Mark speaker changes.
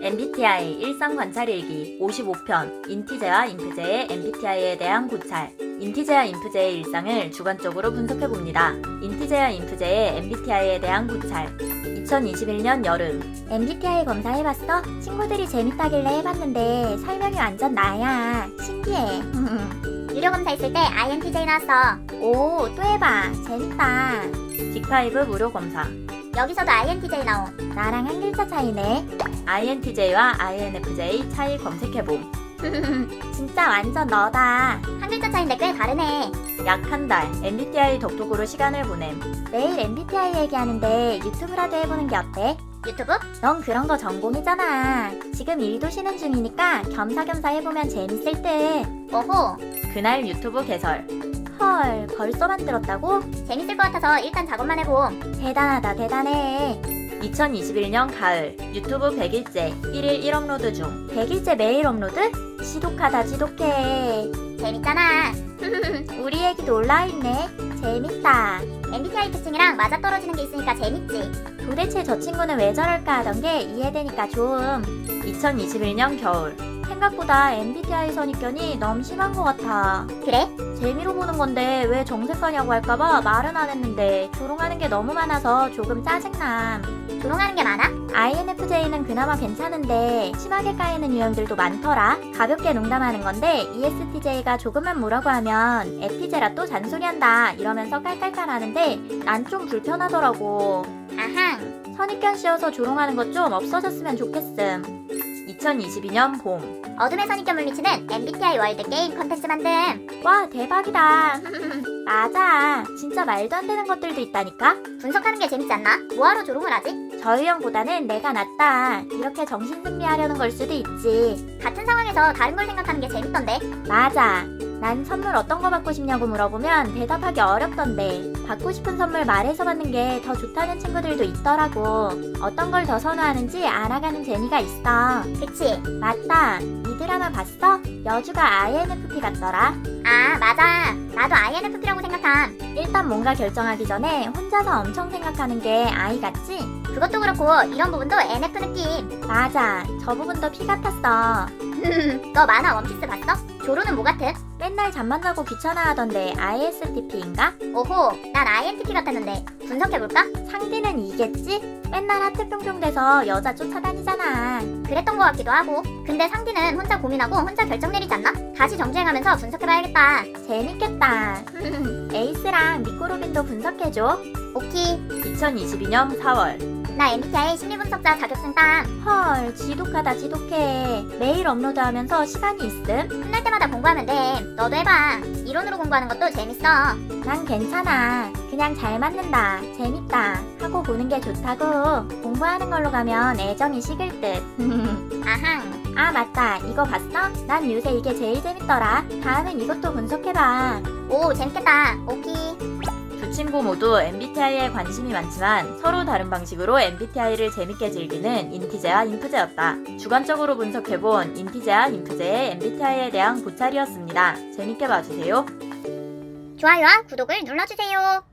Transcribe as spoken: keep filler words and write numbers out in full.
Speaker 1: 엠비티아이 일상 관찰일기 오십오 편 인티제와 인프제의 엠비티아이에 대한 고찰. 인티제와 인프제의 일상을 주관적으로 분석해봅니다. 인티제와 인프제의 엠비티아이에 대한 고찰. 이천이십일 년 여름.
Speaker 2: 엠비티아이 검사해봤어? 친구들이 재밌다길래 해봤는데 설명이 완전 나야. 신기해. 유료 검사했을 때 아이엔티제이 나왔어. 오, 또 해봐. 재밌다.
Speaker 1: 빅파이브 무료 검사.
Speaker 2: 여기서도 아이엔티제이 나옴. 나랑 한 글자 차이네.
Speaker 1: 아이엔티제이와 아이엔에프제이 차이 검색해봄.
Speaker 2: 진짜 완전 너다. 한 글자 차인데 꽤 다르네.
Speaker 1: 약 한 달 엠비티아이 덕톡으로 시간을 보냄.
Speaker 2: 매일 엠비티아이 얘기하는데 유튜브라도 해보는 게 어때? 유튜브? 넌 그런 거 전공이잖아. 지금 일도 쉬는 중이니까 겸사겸사 해보면 재밌을 듯. 오호.
Speaker 1: 그날 유튜브 개설.
Speaker 2: 헐, 벌써 만들었다고? 재밌을 것 같아서 일단 작업만 해봄. 대단하다, 대단해.
Speaker 1: 이천이십일 년 가을. 유튜브 백 일째 일 일 일 업로드 중.
Speaker 2: 백 일째 매일 업로드? 지독하다, 지독해. 재밌잖아. 우리 얘기도 올라와있네. 재밌다. 엠비티아이 특징이랑 맞아떨어지는 게 있으니까 재밌지. 도대체 저 친구는 왜 저럴까 하던 게 이해되니까 좋음.
Speaker 1: 이천이십일 년 겨울.
Speaker 2: 생각보다 엠비티아이 선입견이 너무 심한 것 같아. 그래? 재미로 보는 건데 왜 정색하냐고 할까봐 말은 안 했는데 조롱하는 게 너무 많아서 조금 짜증남. 조롱하는 게 많아? 아이엔에프제이는 그나마 괜찮은데 심하게 까이는 유형들도 많더라. 가볍게 농담하는 건데 이에스티제이가 조금만 뭐라고 하면 에피제라 또 잔소리한다 이러면서 깔깔깔하는데 난 좀 불편하더라고. 아항. 선입견 씌워서 조롱하는 것 좀 없어졌으면 좋겠음.
Speaker 1: 이천이십이 년 봄.
Speaker 2: 어둠의 선입견 물리치는 엠비티아이 월드 게임 컨텐츠 만듦. 와, 대박이다. 맞아. 진짜 말도 안 되는 것들도 있다니까. 분석하는 게 재밌지 않나? 뭐하러 조롱을 하지? 저 유형보다는 내가 낫다. 이렇게 정신승리하려는 걸 수도 있지. 같은 상황에서 다른 걸 생각하는 게 재밌던데. 맞아. 난 선물 어떤 거 받고 싶냐고 물어보면 대답하기 어렵던데. 받고 싶은 선물 말해서 받는 게 더 좋다는 친구들도 있더라고. 어떤 걸 더 선호하는지 알아가는 재미가 있어. 그치? 맞다. 이 드라마 봤어? 여주가 아이엔에프피 같더라. 아, 맞아. 나도 아이엔에프피라고 생각함. 일단 뭔가 결정하기 전에 혼자서 엄청 생각하는 게 아이 같지? 그것도 그렇고 이런 부분도 엔에프 느낌. 맞아. 저 부분도 피 같았어. 너 만화 원피스 봤어? 조로는 뭐 같음? 맨날 잠만 자고 귀찮아하던데 아이에스티피인가? 오호, 난 아이엔티피 같았는데 분석해볼까? 상대는 이겠지? 맨날 하트 뿅뿅 돼서 여자 쫓아다니잖아. 그랬던 것 같기도 하고. 근데 상대는 혼자 고민하고 혼자 결정 내리지 않나? 다시 정주행하면서 분석해봐야겠다. 재밌겠다. 에이스랑 미코로빈도 분석해줘. 오키.
Speaker 1: 이천이십이 년 사월.
Speaker 2: 나 엠비티아이 심리분석자 자격증 땀. 헐, 지독하다 지독해. 매일 업로드하면서 시간이 있음? 끝날 때마다 공부하면 돼. 너도 해봐. 이론으로 공부하는 것도 재밌어. 난 괜찮아. 그냥 잘 맞는다. 재밌다. 하고 보는 게 좋다고. 공부하는 걸로 가면 애정이 식을 듯. 아항. 아, 맞다. 이거 봤어? 난 요새 이게 제일 재밌더라. 다음엔 이것도 분석해봐. 오, 재밌겠다. 오키.
Speaker 1: 두 친구 모두 엠비티아이에 관심이 많지만 서로 다른 방식으로 엠비티아이를 재밌게 즐기는 인티제와 인프제였다. 주관적으로 분석해본 인티제와 인프제의 엠비티아이에 대한 고찰이었습니다. 재밌게 봐주세요.
Speaker 2: 좋아요와 구독을 눌러주세요.